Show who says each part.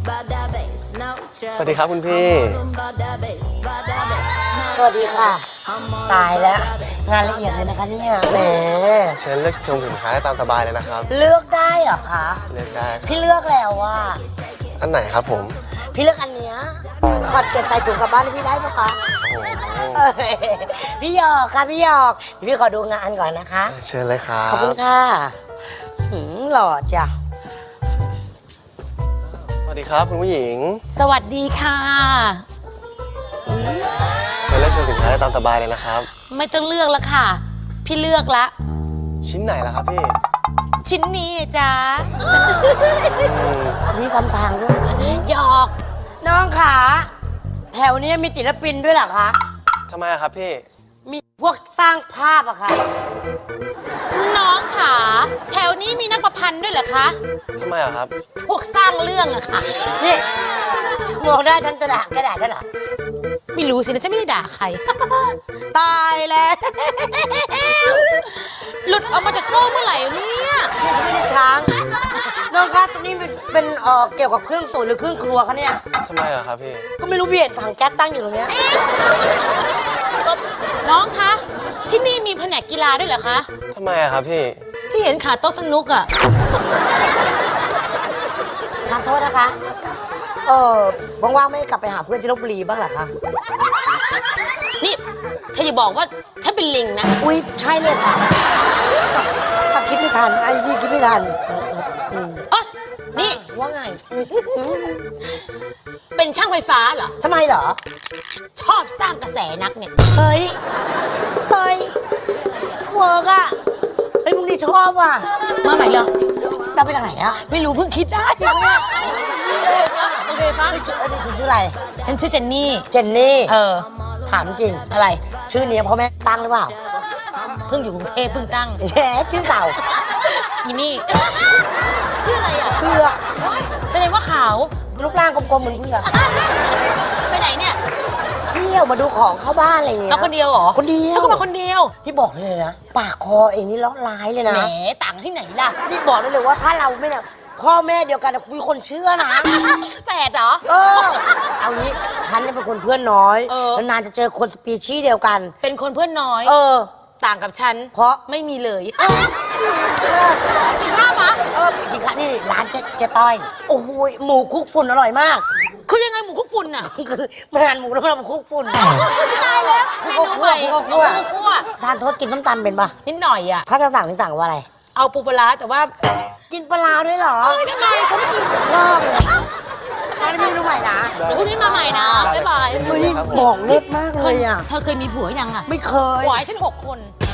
Speaker 1: สวัสดีครับคุณพี่
Speaker 2: สวัสดีค่ะตายแล้วงานละเอียดเลยนะคะเนี่ยแหม
Speaker 1: เชิญเลือกชมสินค้าได้ตามสบายเลยนะครับ
Speaker 2: เลือกได้เหรอคะ
Speaker 1: เลือกได้
Speaker 2: พี่เลือกแล้วว่า
Speaker 1: อันไหนครับผม
Speaker 2: พี่เลือกอันเนี้ยถอดเก็บใส่ถุงกลับบ้านให้พี่ได้ปะคะพี่หยอกค่ะพี่หยอกพี่ขอดูงานก่อนนะคะ
Speaker 1: เชิญเลยครับ
Speaker 2: ขอบคุณค่ะหล่อจ้ะ
Speaker 1: สวัสดีครับคุณผู้หญิง
Speaker 3: สวัสดีค่ะ
Speaker 1: เชิญเลือกชมสินค้าได้ตามสบายเลยนะครับ
Speaker 3: ไม่ต้องเลือกแล้วค่ะพี่เลือกละ
Speaker 1: ชิ้นไหนล่ะครับพี่
Speaker 3: ชิ้นนี้จ้า
Speaker 2: มีคำทางด้วย
Speaker 3: หยอก
Speaker 2: น้องขาแถวนี้มีศิลปินด้วยเหรอคะ
Speaker 1: ทำไมครับพี่
Speaker 2: มีพวกสร้างภาพอะค่ะ
Speaker 3: น้องขาแถวนี้มีนักประพันธ์ด้วยเหรอคะ
Speaker 1: ทำไมครับ
Speaker 3: พวกสร้างเรื่องอะค่ะ
Speaker 2: นี่มองได้ฉันจะด่ากระดาษฉันเหรอ
Speaker 3: ไม่รู้สินะจะไม่ได้ด่าใคร ตายแล้วหลุดออกมาจากโซ่เมื่อไหร่เนี่ย
Speaker 2: นี่เขาไม่ได้ช้างน้องคะตรงนี้เป็นเกี่ยวกับเครื่องตุ๋นหรือเครื่องครัวคะเนี่ย
Speaker 1: ทำไมครับพี่
Speaker 2: ก็ไม่รู้พี่เห็นถังแก๊สตั้งอยู่ตรงเนี้ย
Speaker 3: น้องคะที่นี่มีแผนกกีฬาด้วยเหรอคะ
Speaker 1: ทำไมครับ
Speaker 3: พี่เห็นขาโต๊ะสนุกอะ
Speaker 2: ทานโทษนะคะว่างๆไม่กลับไปหาเพื่อนที่ลพบุรีบ้างเหรอคะ
Speaker 3: นี่เธออย่าบอกว่าฉันเป็นลิงนะ
Speaker 2: อุ๊ยใช่เลยค่ะถ้าคิดไม่ทันไอ้พี่คิดไม่ทัน
Speaker 3: นี่
Speaker 2: ว่าไง
Speaker 3: เป็นช่างไฟฟ้าเหรอ
Speaker 2: ทำไมเหรอ
Speaker 3: ชอบสร้างกระแสนักเนี่ย
Speaker 2: เฮ้ยเวิร์กอะไอ้พวกนี้ชอบว่ะ
Speaker 3: มาใหม่เหรอ
Speaker 2: เราไปจากไหนอะ
Speaker 3: ไม่รู้เพิ่งคิดได้เนี่ยโอเคปะ
Speaker 2: ชื่ออะไร
Speaker 3: ฉันชื่อเจนนี่
Speaker 2: ถามจริง
Speaker 3: อะไร
Speaker 2: ชื่อนี้พ่อแม่ตั้งหรือเปล่า
Speaker 3: เพิ่งอยู่กรุงเทพเพิ่งตั้ง
Speaker 2: แย่ชื่อเก่า
Speaker 3: อีนี่ชื่ออะไรอ่ะ
Speaker 2: เพื่อ
Speaker 3: แสดงว่าขาว
Speaker 2: รูปร่างกลมๆเหมือนเพื่อ
Speaker 3: ไปไหนเนี่ย
Speaker 2: เที่ยวมาดูของเข้าบ้านอะไรเงี้ย
Speaker 3: เอาคนเดียวเหรอ
Speaker 2: คนเดียว
Speaker 3: เขาก็มาคนเดียว
Speaker 2: พี่บอกเลยนะปากคอเองนี่เลาะร้ายเลยนะ
Speaker 3: แหมต่างที่ไหนล่ะ
Speaker 2: พี่บอกได้เลยว่าถ้าเราไม่เนี่ยพ่อแม่เดียวกันมีคนเชื่อนะ
Speaker 3: แฝดเหรอ
Speaker 2: เอางี้ฉันเนี่ยเป็นคนเพื่อนน้อยนานจะเจอคนสปีชีส์เดียวกัน
Speaker 3: เป็นคนเพื่อนน้อยต่างกับฉัน
Speaker 2: เพราะ
Speaker 3: ไม่มีเลย
Speaker 2: กินข้าวปะกินข้าวนี่ร้านเจ๊ต้อยโอ้โหหมูคุกฝุ่นอร่อยมาก
Speaker 3: คือยังไงหมูคุกฝุ่นอ่ะ
Speaker 2: คือมันหั่นหมูแล้วมันคุกฝุ่น
Speaker 3: ตายแล้วเมนูใหม่คั่ว
Speaker 2: ทานโทษกินส้มตำเป็นปะ
Speaker 3: นิดหน่อยอ่ะ
Speaker 2: ถ้าจะสั่งนี่สั่งว่าอะไร
Speaker 3: เอาปูปลาแต่ว่า
Speaker 2: กินปลาด้วยเหรอ
Speaker 3: ทำไมเขาไม่กิน
Speaker 2: ชอบเลยอันนี้เมนูใหม่นะ
Speaker 3: เดี๋ยวพรุ่งนี้มาใหม่นะบ๊ายบาย
Speaker 2: บอกเล็กมากเลยอ่ะ
Speaker 3: เธอเคยมีผัวยังอ่ะ
Speaker 2: ไม่เคย
Speaker 3: ผัวฉัน6 คน